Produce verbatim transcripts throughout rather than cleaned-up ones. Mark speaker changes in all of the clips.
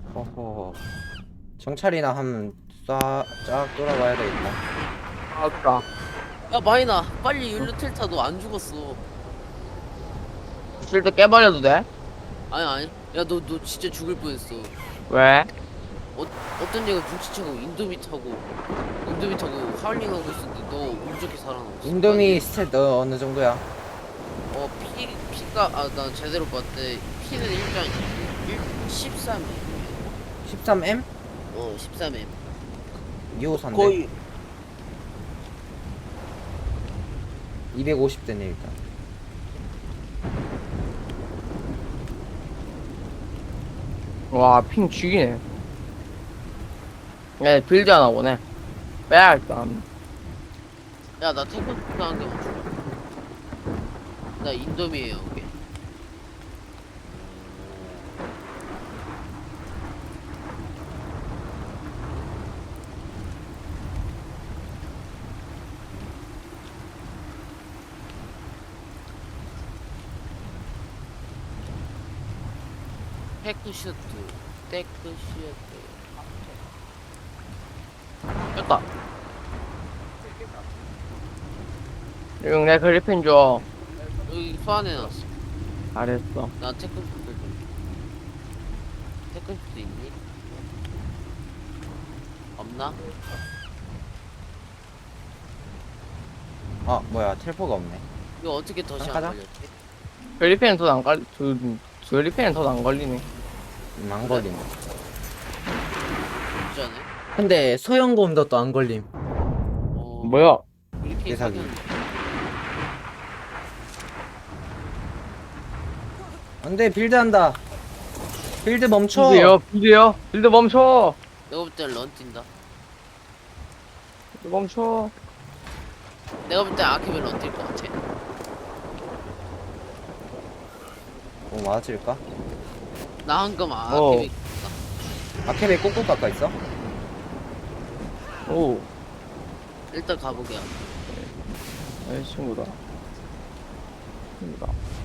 Speaker 1: 허허. 정찰이나 한번 쏴쫙 돌아봐야 되겠다.
Speaker 2: 아까
Speaker 3: 야 마이나 빨리 율루 틸타 너 안 죽었어.
Speaker 2: 실드 깨버려도 돼?
Speaker 3: 아니 아니 야 너 너 진짜 죽을 뻔했어.
Speaker 2: 왜?
Speaker 3: 어, 어떤 애가 눈치채고 인도미 타고 인도미 타고 하울링하고 있었는데 너 운 좋게 살아남았어.
Speaker 1: 인도미 스탯 너 어느 정도야?
Speaker 3: 어 피, 피가 아 난 제대로 봤대. 피는 일단 십삼
Speaker 1: 십삼 엠?
Speaker 3: 어 십삼 엠
Speaker 1: 이오사인데
Speaker 3: 거의
Speaker 1: 이백오십 대네 일단.
Speaker 2: 와, 핑 죽이네. 야, 빌드 하나 오네. 빼야겠다.
Speaker 3: 야나 태권 하는 게 멈춰. 나 인도미에요 이게. 테크슈트 테크슈트
Speaker 2: 됐다. 응, 내 그리핀 줘.
Speaker 3: 여기 소환해놨어.
Speaker 2: 잘했어.
Speaker 3: 나 테크슈트 좀. 테크슈트 있니? 없나?
Speaker 1: 아 뭐야 텔포가 없네.
Speaker 3: 이거 어떻게 덫이 안
Speaker 1: 가자.
Speaker 3: 걸렸지?
Speaker 2: 그리핀은 더 안 걸리, 두, 그리핀은 더 안 걸리네.
Speaker 1: 음, 안 걸림.
Speaker 3: 진짜네?
Speaker 1: 근데 소형곰도 또 안 걸림.
Speaker 3: 어...
Speaker 2: 뭐야?
Speaker 3: 이렇게
Speaker 1: 대사기.
Speaker 3: 사귀는
Speaker 1: 안돼 빌드한다. 빌드 멈춰.
Speaker 2: 빌드요, 빌드요. 빌드 멈춰.
Speaker 3: 내가 볼 땐 런 뛴다.
Speaker 2: 빌드 멈춰.
Speaker 3: 내가 볼 땐 아케벨 런뛸것 같아.
Speaker 1: 어 맞을까?
Speaker 3: 나 한금 아,
Speaker 2: 어.
Speaker 3: 아케벨
Speaker 1: 아케베 꼭꼭 깎아 있어?
Speaker 2: 오,
Speaker 3: 일단 가보게.
Speaker 2: 내 친구다. 친구다.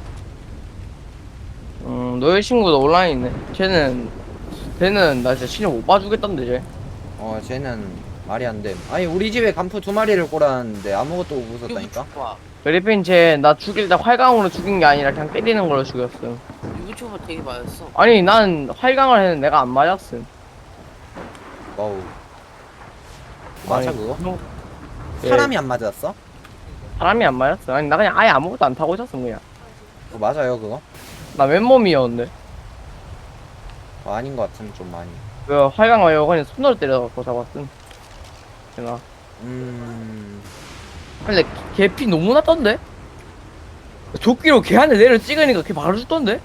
Speaker 2: 음, 너의 친구도 온라인 있네. 쟤는, 쟤는 나 진짜 신경 못 봐주겠던데, 쟤.
Speaker 1: 어 쟤는 말이 안 돼. 아니 우리 집에 간푸 두 마리를 꼬랐는데 아무것도 못 부쉈다니까?
Speaker 3: 와
Speaker 2: 그리핀 쟤 나 죽일 때 활강으로 죽인 게 아니라 그냥 때리는 걸로 죽였음.
Speaker 3: 유부초보 되게 맞았어.
Speaker 2: 아니 난 활강을 했는데 내가 안 맞았음.
Speaker 1: 와우. 맞아
Speaker 2: 아니,
Speaker 1: 그거?
Speaker 2: 형, 예,
Speaker 1: 사람이 안 맞았어?
Speaker 2: 사람이 안 맞았어. 아니 나 그냥 아예 아무것도 안 타고 있었음 그냥.
Speaker 1: 어, 맞아요 그거?
Speaker 2: 나 맨몸이었는데.
Speaker 1: 어, 아닌 것 같으면 좀 많이.
Speaker 2: 그 활강 말고 그냥 손으로 때려갖고 잡았음. 제가.
Speaker 1: 음...
Speaker 2: 근데 걔피 너무 났던데? 조끼로 걔한테 내려 찍으니까 걔 바로 죽던데?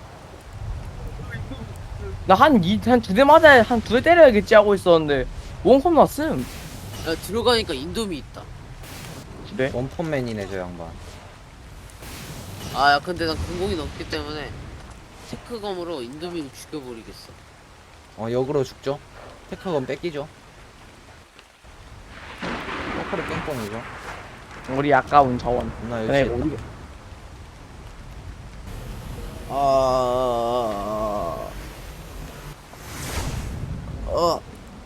Speaker 2: 나 한 이, 한 두 대 맞아야, 한 두 대 때려야겠지 하고 있었는데, 원컵 났음.
Speaker 3: 야 들어가니까 인도미 있다.
Speaker 2: 집에.
Speaker 1: 원펀맨이네 저 양반.
Speaker 3: 아 야 근데 난 공공이 넘기 때문에 테크검으로 인도미를 죽여버리겠어.
Speaker 1: 어 역으로 죽죠? 테크건 뺏기죠? 포크를 뺑뽕이죠?
Speaker 2: 우리 아까운 자원.
Speaker 1: 나
Speaker 2: 그래,
Speaker 1: 역시
Speaker 2: 우리,
Speaker 3: 아... 어...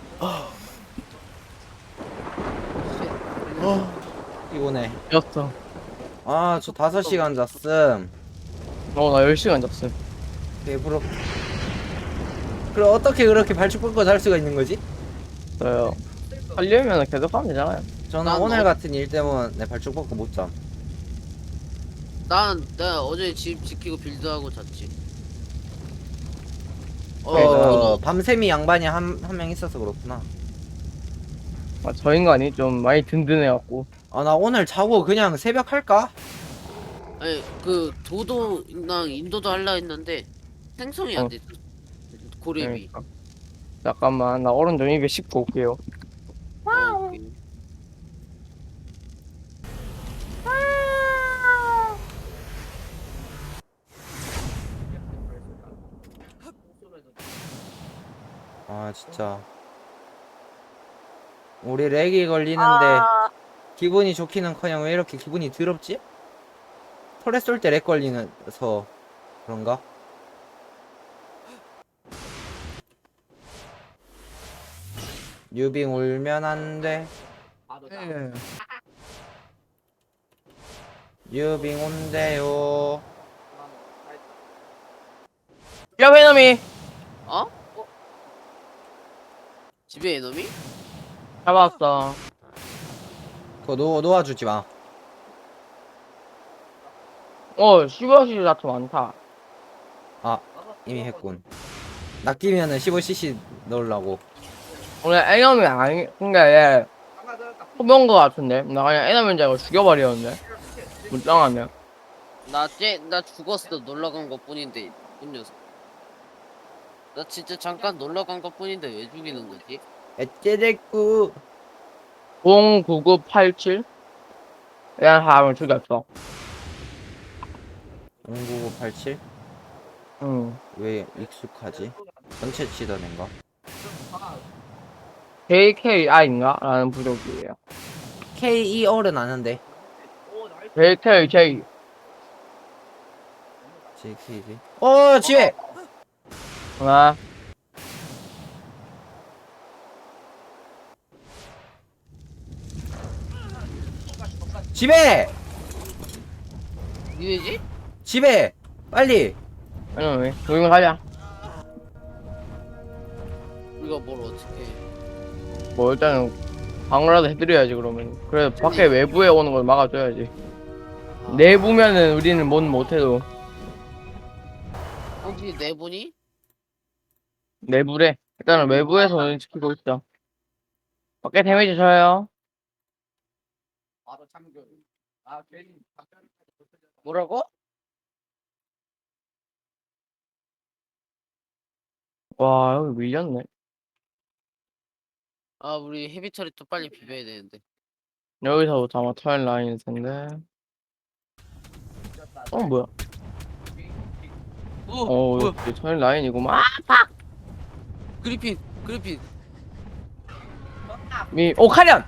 Speaker 1: 피곤해.
Speaker 2: 였어.
Speaker 1: 아 저 다섯 시간 잤음.
Speaker 2: 어, 나 열 시간 잤음.
Speaker 1: 배부러. 그럼 어떻게 그렇게 발죽 뻗고 잘 수가 있는 거지?
Speaker 2: 저요. 하려면 계속 하면 되잖아요.
Speaker 1: 저는
Speaker 3: 난
Speaker 1: 오늘
Speaker 3: 어-
Speaker 1: 같은 일 때문에 발죽 뻗고 못 잠.
Speaker 3: 난, 나 어제 집 지키고 빌드하고 잤지. 어,
Speaker 1: 어,
Speaker 3: 어,
Speaker 1: 밤샘이 양반이 한 한 명 있어서 그렇구나.
Speaker 2: 아, 저 인간이 좀 많이 든든해갖고.
Speaker 1: 아 나 오늘 자고 그냥 새벽 할까?
Speaker 3: 아니, 그, 도도랑 인도도 할라 했는데, 생성이 안
Speaker 2: 어.
Speaker 3: 됐어. 고렙이.
Speaker 2: 그러니까. 잠깐만, 나 오른쪽 입에 씹고 올게요.
Speaker 3: 어, 오케이.
Speaker 1: 아 진짜 우리 렉이 걸리는데
Speaker 3: 아.
Speaker 1: 기분이 좋기는커녕 왜 이렇게 기분이 더럽지? 털에 쏠 때 렉 걸리면서 그런가? 유빙 울면 안돼.
Speaker 2: 예.
Speaker 1: 유빙 온대요.
Speaker 2: 야 venom이
Speaker 3: 어? 집에 에너미?
Speaker 2: 잡았어.
Speaker 1: 그거 놓, 놓아주지 마.
Speaker 2: 어 십오 시 자체 많다.
Speaker 1: 아 이미 했군. 낚이면은 십오 씨씨 넣으려고.
Speaker 2: 오늘 venom이 아니 근데 얘 소변 거 같은데 나 그냥 venom인 줄 알고 죽여버렸는데 물당하면.
Speaker 3: 나쟤나 죽었어. 놀러 간 것 뿐인데 이 녀석. 나 진짜 잠깐 놀러 간 것 뿐인데 왜 죽이는 거지?
Speaker 1: 에째레꾸.
Speaker 2: 공구구팔칠 이런 사람을 죽였어.
Speaker 1: 공구구팔칠?
Speaker 2: 응.
Speaker 1: 왜 익숙하지? 전체 치던 앤가?
Speaker 2: 제이케이아인가? 라는 부족이에요.
Speaker 1: 케이이알은 아는데.
Speaker 2: 제이케이제이.
Speaker 1: 제이케이지. 어 지혜!
Speaker 2: 아,
Speaker 1: 집에!
Speaker 3: 니네지?
Speaker 1: 집에! 빨리!
Speaker 2: 아니, 우리 가자.
Speaker 3: 우리가 뭘 어떻게?
Speaker 2: 뭐, 일단은, 방어라도 해드려야지, 그러면. 그래, 밖에 외부에 오는 걸 막아줘야지. 내부면은 우리는 뭔 못해도,
Speaker 3: 혹시 네 분이?
Speaker 2: 내부래. 일단은 외부에서 지키고 있어. 밖에 데미지 줘요.
Speaker 3: 뭐라고?
Speaker 2: 와, 여기 밀렸네.
Speaker 3: 아 우리 헤비 처리도 빨리 비벼야 되는데.
Speaker 2: 여기서부터 아마 터일 라인일 텐데. 어, 뭐야?
Speaker 3: 어,
Speaker 2: 어,
Speaker 3: 뭐야?
Speaker 2: 여기 터일 라인이구만.
Speaker 3: 그리핀, 그리핀.
Speaker 2: 미, 오, 카련!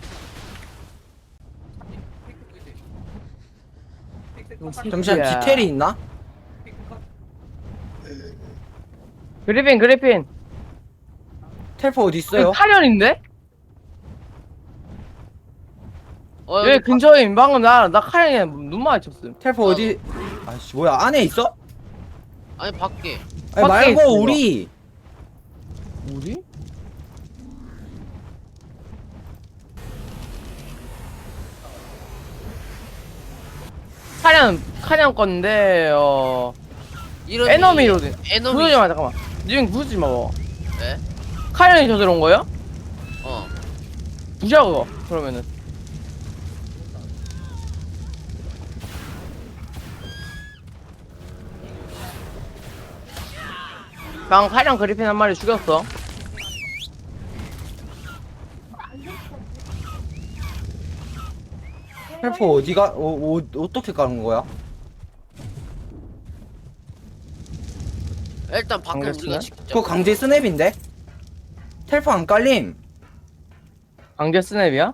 Speaker 1: 잠시만 디테일이 있나?
Speaker 2: 그리핀, 그리핀.
Speaker 1: 텔포 어디 있어요?
Speaker 2: 여기 카련인데?
Speaker 3: 어,
Speaker 2: 여기
Speaker 3: 여기
Speaker 2: 근처에 방금 나, 나 카련에 눈 마주쳤음.
Speaker 1: 텔포 어디? 아씨 뭐야 안에 있어?
Speaker 3: 바... 아니 밖에.
Speaker 1: 아니
Speaker 2: 밖에 있어,
Speaker 1: 말고 우리
Speaker 2: 우리? 카련, 카련 건데, 어.
Speaker 3: 이런
Speaker 2: 에너미로
Speaker 3: 이-
Speaker 2: 돼.
Speaker 3: 에너미.
Speaker 2: 부수지 마, 잠깐만. 니는 부수지 마, 뭐.
Speaker 3: 왜?
Speaker 2: 카련이 저들어온 거야?
Speaker 3: 어.
Speaker 2: 부셔, 그거. 그러면은. 방 카련 그리핀 한 마리 죽였어.
Speaker 1: 텔포 어디가? 어, 어, 어떻게 가는 거야?
Speaker 3: 일단 밖에
Speaker 2: 강제
Speaker 3: 우리가
Speaker 2: 쓰네?
Speaker 3: 지키자.
Speaker 1: 그거 강제 스냅인데? 텔포 안 깔림.
Speaker 2: 강제 스냅이야?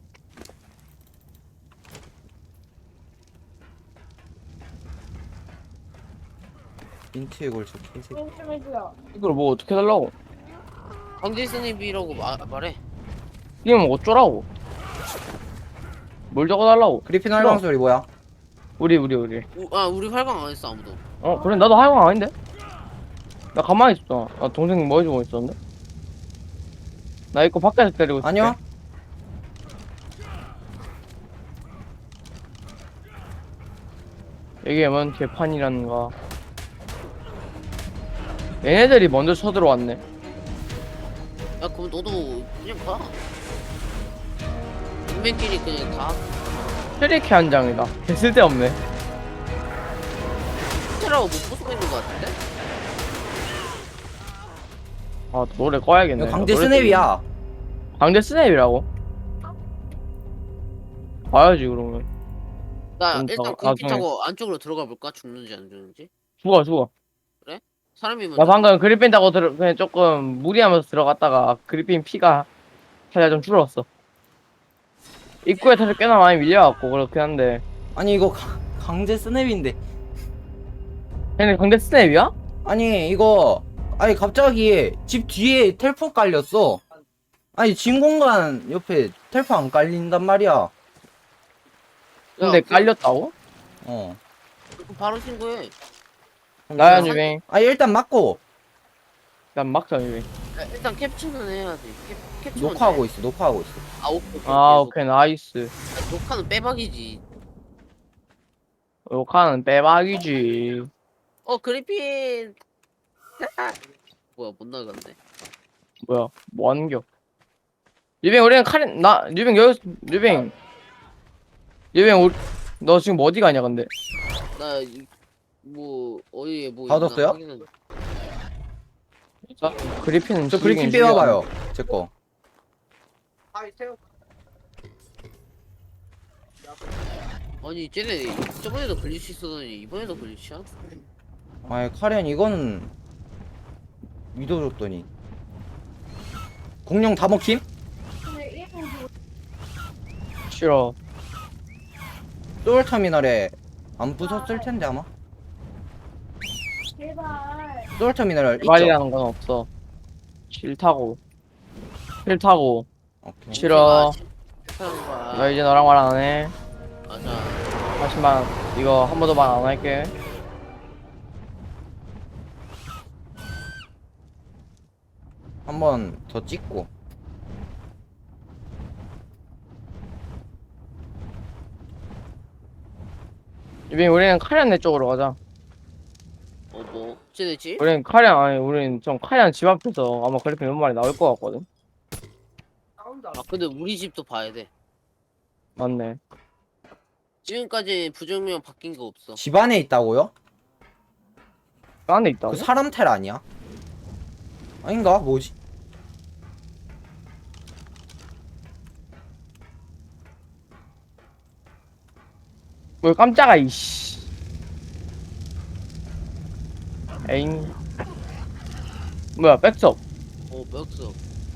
Speaker 1: 민트의 골초 개새끼.
Speaker 2: 이걸 뭐 어떻게 달라고?
Speaker 3: 강제 스냅이라고 마, 말해.
Speaker 2: 이게 뭐 어쩌라고? 뭘 적어달라고?
Speaker 1: 그리핀 활강 소리 뭐야?
Speaker 2: 우리 우리 우리
Speaker 3: 우, 아 우리 활강 안 했어 아무도.
Speaker 2: 어 그래 나도 하영 아닌데? 나 가만히 있었잖아. 나 동생 뭐 해주고 있었는데? 나 이거 밖에서 때리고 있을게.
Speaker 1: 아니요.
Speaker 2: 얘기하면 개판이라는가. 얘네들이 먼저 쳐들어왔네.
Speaker 3: 야 그럼 너도 그냥 가. 인맨끼리 그냥 가.
Speaker 2: 트리케 한 장이다. 개 쓸데없네.
Speaker 3: 테라고 못 부수고 있는 거 같은데?
Speaker 2: 아 노래 꺼야겠네.
Speaker 1: 이거 강제
Speaker 2: 노래
Speaker 1: 스냅이야.
Speaker 2: 때문에. 강제 스냅이라고? 봐야지 그러면.
Speaker 3: 나
Speaker 2: 좀
Speaker 3: 일단
Speaker 2: 더
Speaker 3: 그렇게
Speaker 2: 나중에.
Speaker 3: 타고 안쪽으로 들어가 볼까? 죽는지 안 죽는지?
Speaker 2: 죽어 죽어.
Speaker 3: 사람이 먼저.
Speaker 2: 나 방금 그리핀 타고 들어 그냥 조금 무리하면서 들어갔다가 그리핀 피가 살짝 좀 줄었어. 입구에 사실 꽤나 많이 밀려갖고 그렇긴 한데.
Speaker 1: 아니 이거 가, 강제 스냅인데.
Speaker 2: 걔네 강제 스냅이야?
Speaker 1: 아니 이거 아니 갑자기 집 뒤에 텔포 깔렸어. 아니 진공관 옆에 텔포 안 깔린단 말이야.
Speaker 2: 근데
Speaker 3: 야, 그-
Speaker 2: 깔렸다고?
Speaker 1: 어.
Speaker 3: 그럼 바로 신고해.
Speaker 1: 그럼
Speaker 2: 나야
Speaker 1: 일단-
Speaker 2: 유빈.
Speaker 1: 아니 일단 맞고
Speaker 2: 난 막자 유빈.
Speaker 3: 야, 일단 캡처는 해야지. 캡, 캡처는
Speaker 1: 녹화하고
Speaker 3: 돼.
Speaker 1: 있어. 녹화하고 있어.
Speaker 3: 아 오케이. 오케이,
Speaker 2: 아
Speaker 3: 오케이.
Speaker 2: 오케이 나이스.
Speaker 3: 야, 녹화는 빼박이지.
Speaker 2: 욕하는 빼박이지.
Speaker 3: 어 그리핀. 뭐야 못 나갔네.
Speaker 2: 뭐야 뭐 하는겨? 유빈 우리는 카린 나 유빈 여기 유빈 유빈 우리 너 지금 어디 가냐 근데?
Speaker 3: 나 뭐 어디에 뭐
Speaker 1: 받았어요?
Speaker 3: 있나 확인은-
Speaker 2: 자, 그리핀은
Speaker 1: 저 그리핀
Speaker 2: 죽이긴
Speaker 1: 빼와봐요. 제 거.
Speaker 3: 아니 쟤네 저번에도 글리치 있었더니 이번에도 글리치야?
Speaker 1: 아니 카렌 이거는 믿어줬더니 공룡 다 먹힘?
Speaker 2: 죽여. 싫어.
Speaker 1: 소울 터미널에 안 부쉈을 텐데 아마. 소울 터미널 있죠?
Speaker 2: 말이라는 건 없어. 싫다고. 싫다고.
Speaker 1: 오케이.
Speaker 2: 싫어.
Speaker 3: 나
Speaker 2: 나 이제 너랑 말 안 해.
Speaker 3: 맞아.
Speaker 2: 하지만 이거 한 번도 말 안 할게.
Speaker 1: 한 번 더 찍고.
Speaker 2: 유빈 우리는 카리안 내 쪽으로 가자.
Speaker 3: 어 뭐? 쟤네지?
Speaker 2: 우리는 카리안 아니 우리는 좀 카리안 집 앞에서 아마 그리핀 몇 마리 나올 것 같거든.
Speaker 3: 아 근데 우리 집도 봐야 돼.
Speaker 2: 맞네.
Speaker 3: 지금까지 부정명 바뀐 거 없어.
Speaker 1: 집 안에 있다고요?
Speaker 2: 그 안에 있다고?
Speaker 1: 그 사람 텔 아니야? 아닌가? 뭐지?
Speaker 2: 뭘 깜짝아 이씨. 에잉. 뭐야 백섭.
Speaker 3: 어 맥스.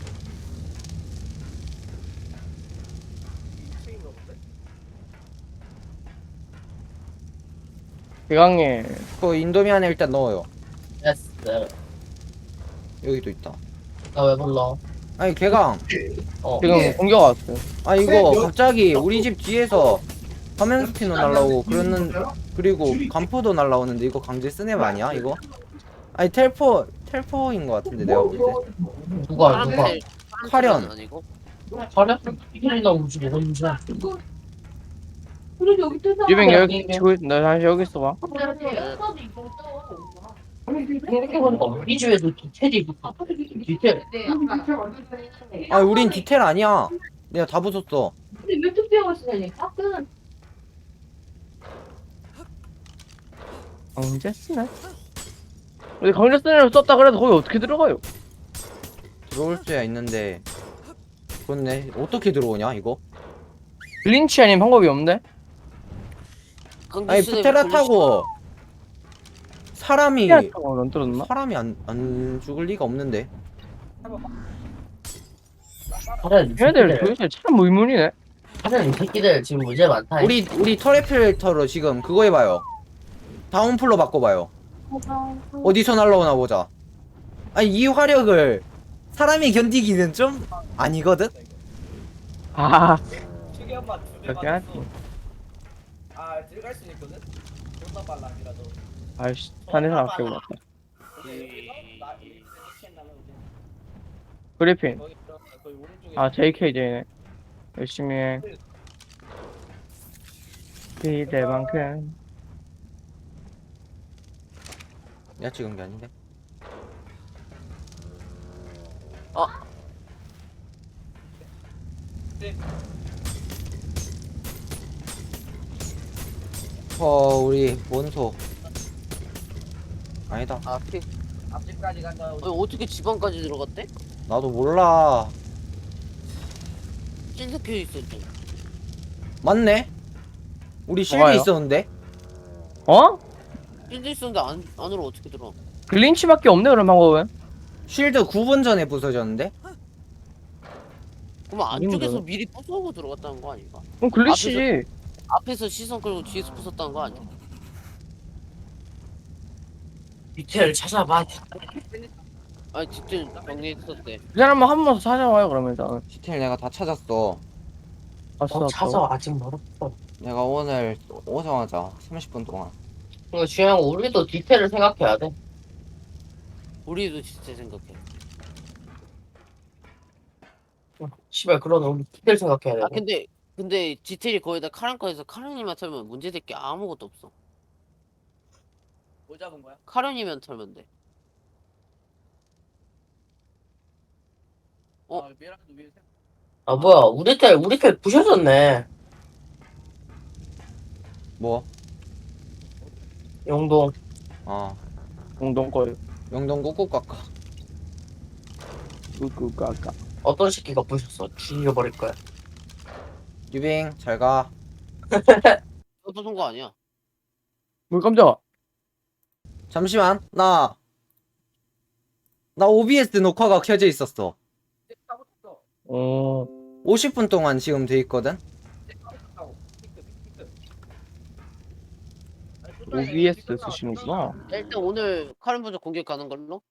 Speaker 2: 대강에
Speaker 1: 그 인도미 안에 일단 넣어요.
Speaker 4: 됐어.
Speaker 1: 여기도 있다.
Speaker 4: 나 왜 불러?
Speaker 1: 아니 개강.
Speaker 4: 어.
Speaker 2: 지금 공격 왔어.
Speaker 1: 아 이거 갑자기 우리 집 뒤에서 화면 스피너 날라오고 그러는 그리고 간포도 날라오는데 이거 강제 스냅 아니야 이거? 아니 텔포 텔포인 것 같은데 내가 볼 때.
Speaker 4: 누가 누가?
Speaker 3: 사람들
Speaker 1: 카련.
Speaker 3: 아니고?
Speaker 4: 가려? 이게 나 우주 먹은 줄.
Speaker 2: 유빈 여기 지고 있- 너 다시 여기 있어봐.
Speaker 4: 이렇게 보니까 우리 집에도 디테일이 디테일.
Speaker 1: 아 우린 디테일 아니야. 내가 다 부쉈어.
Speaker 5: 근데 왜 투표하고 있으니까? 끈.
Speaker 2: 강제 스냅? 우리 강제 스냅을 썼다 그래도 거기 어떻게 들어가요?
Speaker 1: 들어올 수야 있는데. 그렇네. 어떻게 들어오냐 이거?
Speaker 2: 글린치 아닌 방법이 없는데?
Speaker 1: 아니 푸테라 타고 사람이
Speaker 2: 피아타고 안 떨어졌나?
Speaker 1: 사람이 안, 안 죽을 리가 없는데.
Speaker 4: 가려.
Speaker 2: 걔네들 도대체 참 의문이네.
Speaker 4: 가려 이 새끼들 지금 문제 많다.
Speaker 1: 우리 우리 터렛 필터로 지금 그거 해봐요. 다운플로 바꿔봐요. 어디서 날라오나 보자. 아니 이 화력을 사람이 견디기는 좀 아니거든?
Speaker 2: 아 그렇게 하지.
Speaker 6: 아 들어갈 수 있거든? 존나 빨라 아니라도
Speaker 2: 아이씨 산에서 아끼고 왔다. 그리핀.
Speaker 6: 거기 들어 거기 오른쪽에
Speaker 2: 아 제이케이제이네. 열심히 해. 기대만큼.
Speaker 1: 내가 찍은 게 아닌데. 어 우리 원소 아니다.
Speaker 3: 아 피.
Speaker 6: 앞집까지 갔다
Speaker 3: 아니 어떻게 지방까지 들어갔대?
Speaker 1: 나도 몰라.
Speaker 3: 찐석혀 있었지.
Speaker 1: 맞네. 우리 실드
Speaker 2: 뭐가요?
Speaker 1: 있었는데.
Speaker 2: 어?
Speaker 3: 찐져 있었는데 안 안으로 어떻게 들어?
Speaker 2: 글린치밖에 없네 그런 방법은.
Speaker 1: 쉴드 구 분 전에 부서졌는데.
Speaker 3: 그럼
Speaker 2: 아니면
Speaker 3: 안쪽에서
Speaker 2: 되나?
Speaker 3: 미리 부수고 들어갔다는 거 아닌가?
Speaker 2: 그럼 글린치지.
Speaker 3: 앞에서 시선 끌고 뒤에서 부쉈다는 거 아니야?
Speaker 4: 디테일 찾아봐.
Speaker 3: 아니 디테일 정리했었대.
Speaker 2: 그 사람은 한 번 더 찾아와요 그러면 일단.
Speaker 1: 디테일 내가 다 찾았어.
Speaker 2: 봤어.
Speaker 4: 어, 찾아 아직 멀었어.
Speaker 1: 내가 오늘 오성하자. 삼십 분 동안.
Speaker 4: 이거 중요한 거 우리도 디테일을 생각해야 돼.
Speaker 3: 우리도 진짜 생각해.
Speaker 4: 씨발 그러네 우리 디테일 생각해야 돼.
Speaker 3: 아 근데 근데 디테일이 거의 다 카렌 거에서 카렌이만 털면 문제될 게 아무것도 없어.
Speaker 6: 뭐 잡은 거야?
Speaker 3: 카렌이면 털면 돼. 어?
Speaker 6: 아, 미라도 위에 생-
Speaker 4: 아 뭐야 우리 텔 우리 텔 부셔졌네.
Speaker 1: 뭐?
Speaker 4: 용동.
Speaker 1: 아
Speaker 2: 공동 거요.
Speaker 1: 영동 꾹꾹 깎아.
Speaker 2: 끄끄까까.
Speaker 4: 어떤 새끼가 부셨어? 죽여버릴 거야.
Speaker 1: 유빙 잘 가.
Speaker 3: 그것도 쏜거 아니야.
Speaker 2: 뭘 깜짝아.
Speaker 1: 잠시만 나. 나 오비에스 녹화가 켜져 있었어.
Speaker 6: 타고 탔어.
Speaker 2: 어.
Speaker 1: 오십 분 동안 지금 돼 있거든.
Speaker 6: 타고 탔다고. 핑크, 핑크. 아니,
Speaker 2: 오비에스 쓰시는구나.
Speaker 3: 일단 오늘 카렌 부족 공격 가는 걸로?